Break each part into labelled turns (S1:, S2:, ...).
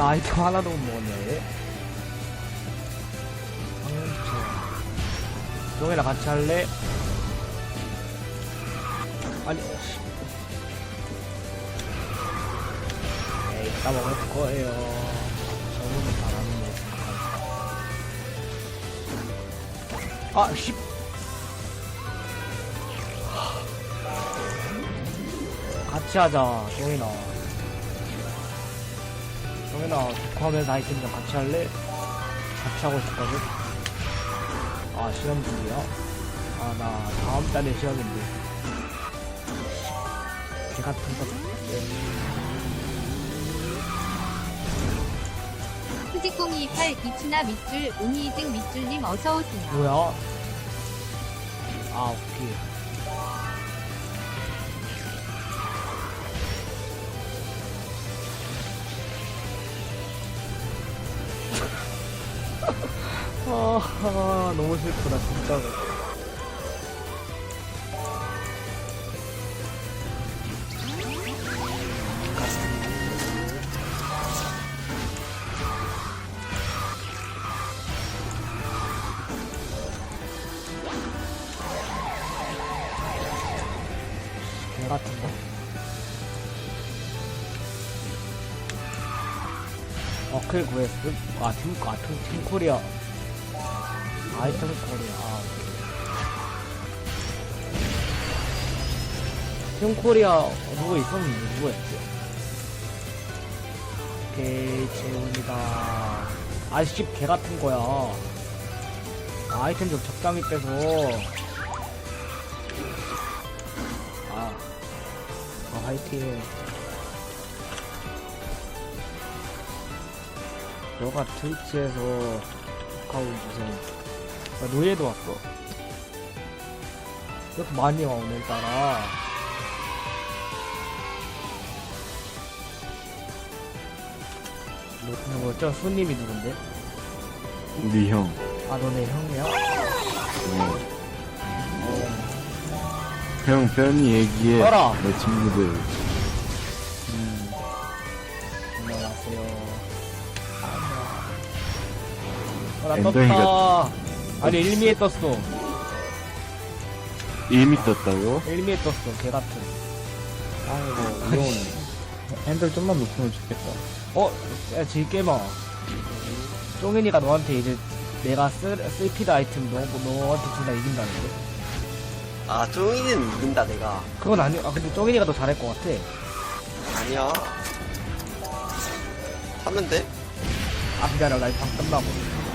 S1: 나 아이템 하나도 못 먹었냐, 얘? 종이랑 같이 할래? 아니, 씨. 에이, 이따 먹을 거예요. 저는 바라는 거. 아, 씨. 같이 하자, 종이나. 종이나, 독하면서 아이템 좀 같이 할래? 같이 하고 싶거든? 아, 시험 준비야? 아, 나 다음 달에 시험인데. 개 같은 거.
S2: 수직028 이춘아 밑줄 옹이등 밑줄님 어서오세요.
S1: 뭐야? 아, 오케이. 너무 슬프다, 진짜로. 개 같은 거. 어클 구했음? 팀 코리아. 아이템 코리아. 팀 코리아 누구 있었는데 누구였지? 오케이, 재훈이다. 아이씨, 개 같은 거야. 아이템 좀 적당히 빼서. 화이팅. 너가 트위치에서 카카오 주세요. 노예도 왔어. 이렇게 많이 와, 오늘따라. 저 손님이 누군데?
S3: 우리 형.
S1: 아, 너네 형이야?
S3: 형 편히 얘기해.
S1: 써라.
S3: 내 친구들.
S1: 안녕하세요. 나
S3: 엉덩이가-
S1: 떴다. 아니, 1미에 떴어.
S3: 1미 떴다고?
S1: 1미에 떴어, 개같은.
S4: 아이고, 이런 핸들 좀만 높으면 좋겠다.
S1: 야, 질게마. 쫑인이가 너한테 이제 내가 쓸피드 아이템 너한테 준다 이긴다는데?
S5: 아, 쫑이는 이긴다, 내가.
S1: 그건 아니, 근데 쫑인이가 더 잘할 것 같아.
S5: 아니야. 하면 돼?
S1: 아, 기다려, 나 이방 끝나고.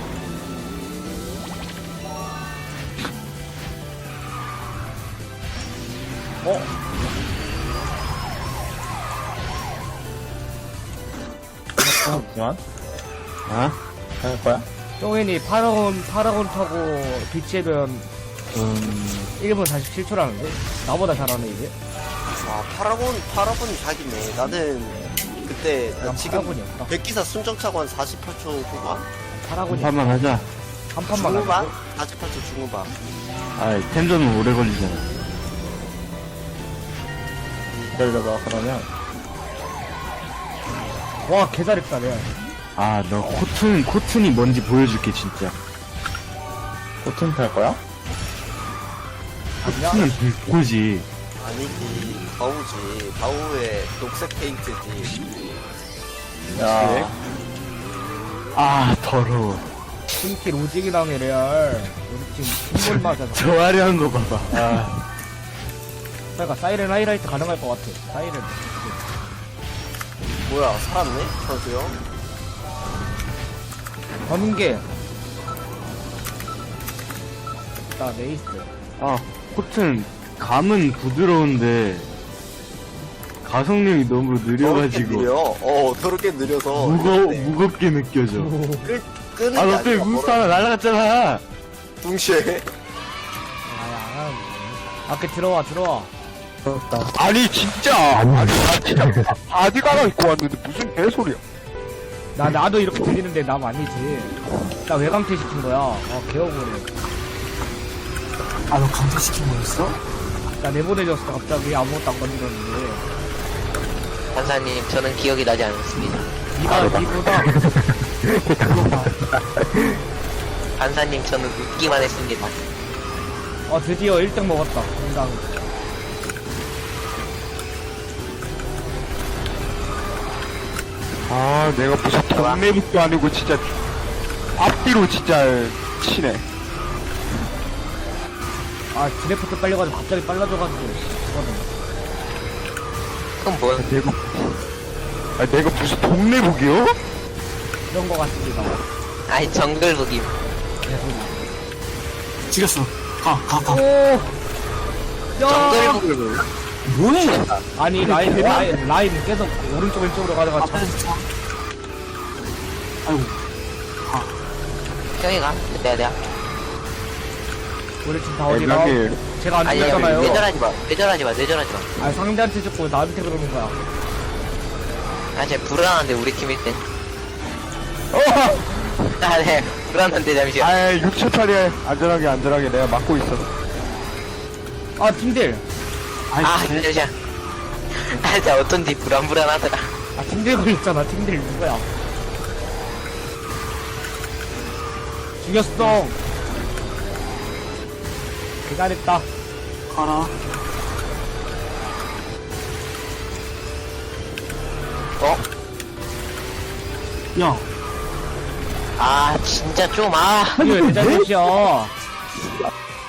S4: 그만?
S3: 아?
S4: 할 거야?
S1: 쫑인이 파라곤 타고 비치해변 1분 47초라는데? 나보다 잘하네, 이제.
S5: 아, 파라곤이 자기네. 나는, 그때, 나
S1: 난
S5: 지금,
S1: 파라곤이었다.
S5: 백기사 순정차고 한 48초 후반?
S1: 파라곤이
S3: 한판만 하자.
S1: 한 판만
S5: 중후반?
S1: 하자.
S5: 48초 중후반.
S3: 아, 템전은 오래 걸리잖아.
S4: 기다려봐, 그러면.
S1: 와, 개 잘했다, 내가.
S3: 아, 너 코튼이 뭔지 보여줄게, 진짜.
S4: 코튼 탈 거야?
S1: 아니야?
S3: 코튼은 불꽃이.
S5: 아니지, 바우지. 바우의 녹색 페인트지.
S4: 야,
S3: 아, 더러워.
S1: 팀킬 오지기 당해, 레알. 우리 지금 팀볼 맞아서.
S3: 저 화려한 거 봐봐. 아,
S1: 그러니까 사이렌 하이라이트 가능할 것 같아. 사이렌.
S5: 뭐야, 살았네? 선수요?
S1: 번개. 나 레이스.
S3: 아, 코튼, 감은 부드러운데, 가속력이 너무
S5: 더럽게
S3: 느려가지고,
S5: 느려. 더럽게 느려서.
S3: 무겁게 느껴져.
S5: 끄는
S3: 아,
S5: 게
S3: 너 때문에
S5: 아니라
S3: 문스터 하나 날라갔잖아.
S5: 둥시에.
S1: 아야. 밖에 들어와.
S4: 그렇다.
S6: 아니 진짜 아니 나 진짜 바디가라 입고 왔는데 무슨 개소리야.
S1: 나도 이렇게 들리는데 남 아니지. 나 외강퇴 시킨 거야. 개억울해.
S7: 아, 너 강퇴시킨 거였어?
S1: 나 내보내줬어, 갑자기. 아무것도 안 건드렸는데.
S8: 판사님, 저는 기억이 나지 않습니다.
S1: 니보다
S8: 반사님 저는 웃기만 했습니다.
S1: 드디어 1등 먹었다. 건강.
S6: 아, 내가 무슨 동네북도 아니고 진짜 앞뒤로 진짜 치네.
S1: 드래프트 빨려가지고 갑자기 빨라져가지고 죽거든.
S8: 그럼 뭐?
S6: 내가 무슨 동네북이요?
S1: 그런 거 같습니다.
S8: 아니 정글북이.
S7: 죽였어. 가.
S1: 오! 야!
S8: 정글북을 몰라?
S7: 뭐해?
S1: 아니, 라인 계속 오른쪽 왼쪽으로 가다가
S7: 앞에서 쳐. 아이고.
S8: 형이 가. 내가.
S1: 우리 팀 다 어디 가?
S6: 여기
S1: 제가 안
S8: 아니
S1: 죽였잖아요.
S8: 뇌절하지 마. 뇌절하지 마.
S1: 아니, 상대한테 죽고 나한테 그러는 거야.
S8: 아, 진짜 불안한데 우리 팀일 땐. 아, 네. 불안한데 잠시만.
S6: 아, 6초짜리 안전하게 내가 막고 있어.
S1: 팀들!
S8: 아, 잠시만. 아, 진짜 어쩐지 불안하더라.
S1: 팀들 걸렸잖아. 팀들 누구야? 죽였어. 기다렸다.
S7: 가라. 야,
S8: 아, 진짜 좀, 아.
S1: 이게 왜 내 잘못이야?